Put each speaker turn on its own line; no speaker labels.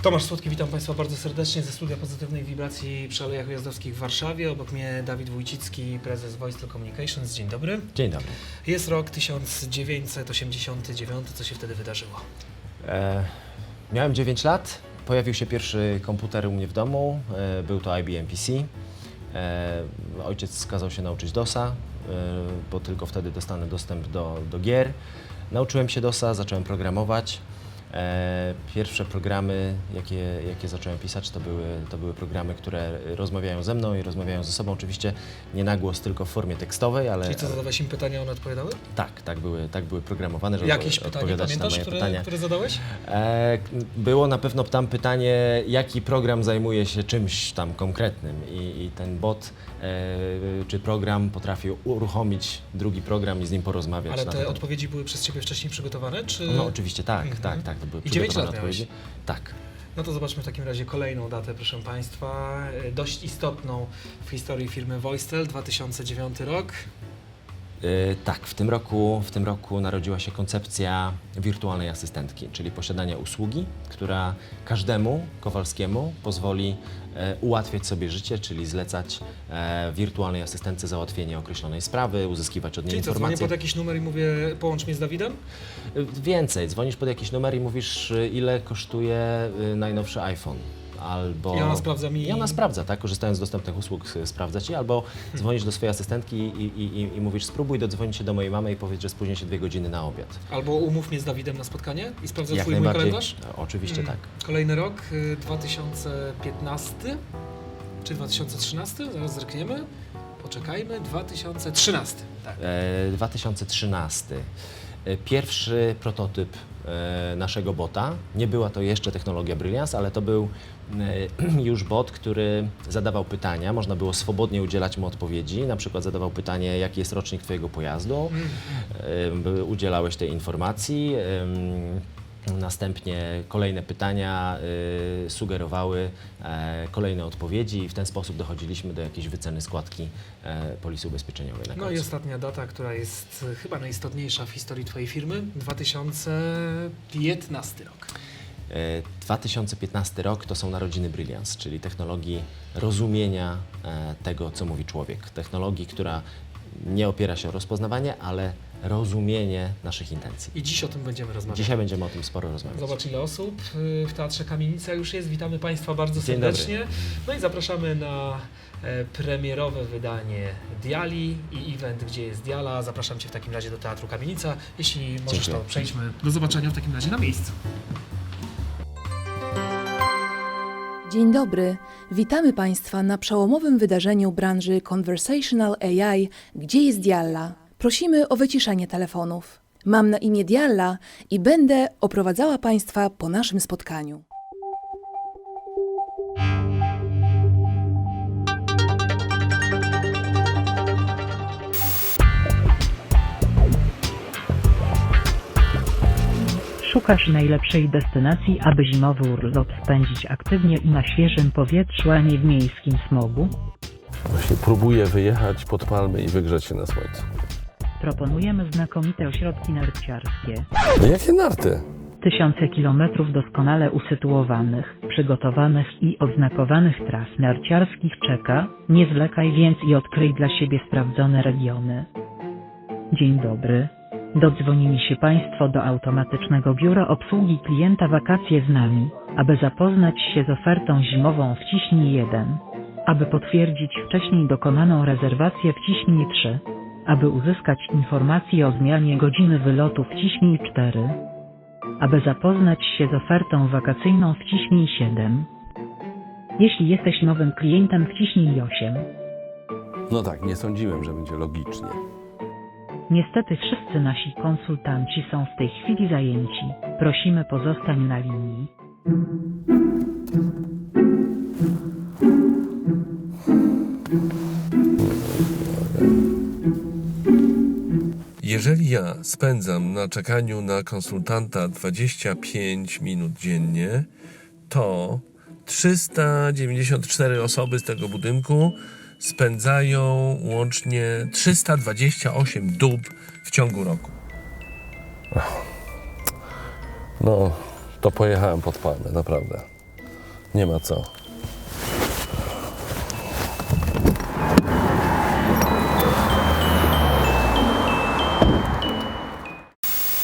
Tomasz Słodki, witam Państwa bardzo serdecznie ze studia Pozytywnej Wibracji przy Alejach Ujazdowskich w Warszawie. Obok mnie Dawid Wójcicki, prezes Voice Communications. Dzień dobry.
Dzień dobry.
Jest rok 1989. Co się wtedy wydarzyło?
Miałem 9 lat. Pojawił się pierwszy komputer u mnie w domu. Był to IBM PC. Ojciec kazał się nauczyć DOS-a, bo tylko wtedy dostanę dostęp do gier. Nauczyłem się DOS-a, zacząłem programować. Pierwsze programy, jakie zacząłem pisać, to były programy, które rozmawiają ze mną i rozmawiają ze sobą. Oczywiście nie na głos, tylko w formie tekstowej, ale...
Czyli co, zadawałeś im pytania, one odpowiadały?
Tak były programowane, żeby
Jakieś pytanie
odpowiadać
pamiętasz,
na moje pytania.
które zadałeś?
Było na pewno tam pytanie, jaki program zajmuje się czymś tam konkretnym i ten bot czy program potrafił uruchomić drugi program i z nim porozmawiać.
Ale te odpowiedzi były przez Ciebie wcześniej przygotowane, czy...?
No oczywiście tak. To były
I 9 lat
odpowiedzi.
miałeś?
Tak.
No to zobaczmy w takim razie kolejną datę, proszę Państwa, dość istotną w historii firmy Voictel, 2009 rok.
Tak, w tym roku narodziła się koncepcja wirtualnej asystentki, czyli posiadania usługi, która każdemu Kowalskiemu pozwoli ułatwiać sobie życie, czyli zlecać wirtualnej asystentce załatwienie określonej sprawy, uzyskiwać od niej
Czyli co,
informacje.
dzwonię pod jakiś numer i mówię, połącz mnie z Dawidem?
Więcej, dzwonisz pod jakiś numer i mówisz, ile kosztuje najnowszy iPhone. Albo...
I ona sprawdza mi...
I ona sprawdza, tak? Korzystając z dostępnych usług sprawdza Ci, albo dzwonisz do swojej asystentki i mówisz, spróbuj dodzwonić się do mojej mamy i powiedz, że spóźnię się 2 godziny na obiad.
Albo umów mnie z Dawidem na spotkanie i sprawdzę
Jak
twój mój
najbardziej.
kalendarz?
Oczywiście tak.
Kolejny rok, 2015 czy 2013? Zaraz zerkniemy. Poczekajmy, 2013. Tak.
2013. Pierwszy prototyp naszego bota. Nie była to jeszcze technologia Brilliance, ale to był już bot, który zadawał pytania. Można było swobodnie udzielać mu odpowiedzi. Na przykład zadawał pytanie, jaki jest rocznik Twojego pojazdu. Udzielałeś tej informacji. Następnie kolejne pytania sugerowały kolejne odpowiedzi i w ten sposób dochodziliśmy do jakiejś wyceny składki polisy ubezpieczeniowej na końcu.
No i ostatnia data, która jest chyba najistotniejsza w historii Twojej firmy, 2015 rok.
2015 rok to są narodziny Brilliance, czyli technologii rozumienia tego, co mówi człowiek. Technologii, która nie opiera się o rozpoznawanie, ale rozumienie naszych intencji.
I dziś o tym będziemy rozmawiać.
Dzisiaj będziemy o tym sporo rozmawiać.
Zobacz, ile osób w Teatrze Kamienica już jest. Witamy Państwa bardzo
Dzień
serdecznie.
dobry.
No i zapraszamy na premierowe wydanie Diali i event, gdzie jest Diala. Zapraszam Cię w takim razie do Teatru Kamienica. Jeśli możesz,
Dziękuję.
to przejdźmy do zobaczenia w takim razie na miejscu.
Dzień dobry, witamy Państwa na przełomowym wydarzeniu branży Conversational AI, gdzie jest Dialla. Prosimy o wyciszenie telefonów. Mam na imię Dialla i będę oprowadzała Państwa po naszym spotkaniu.
Szukasz najlepszej destynacji, aby zimowy urlop spędzić aktywnie i na świeżym powietrzu, a nie w miejskim smogu?
Właśnie próbuję wyjechać pod palmy i wygrzać się na słońcu.
Proponujemy znakomite ośrodki narciarskie.
No jakie narty?
Tysiące kilometrów doskonale usytuowanych, przygotowanych i oznakowanych tras narciarskich czeka. Nie zwlekaj więc i odkryj dla siebie sprawdzone regiony. Dzień dobry. Dodzwonili się Państwo do automatycznego biura obsługi klienta Wakacje z nami. Aby zapoznać się z ofertą zimową, wciśnij 1. Aby potwierdzić wcześniej dokonaną rezerwację, wciśnij 3. Aby uzyskać informacje o zmianie godziny wylotu, wciśnij 4. Aby zapoznać się z ofertą wakacyjną, wciśnij 7. Jeśli jesteś nowym klientem, wciśnij 8.
No tak, nie sądziłem, że będzie logicznie.
Niestety wszyscy nasi konsultanci są w tej chwili zajęci. Prosimy, pozostań na linii.
Jeżeli ja spędzam na czekaniu na konsultanta 25 minut dziennie, to 394 osoby z tego budynku spędzają łącznie 328 dób w ciągu roku.
No, to pojechałem pod palmę, naprawdę. Nie ma co.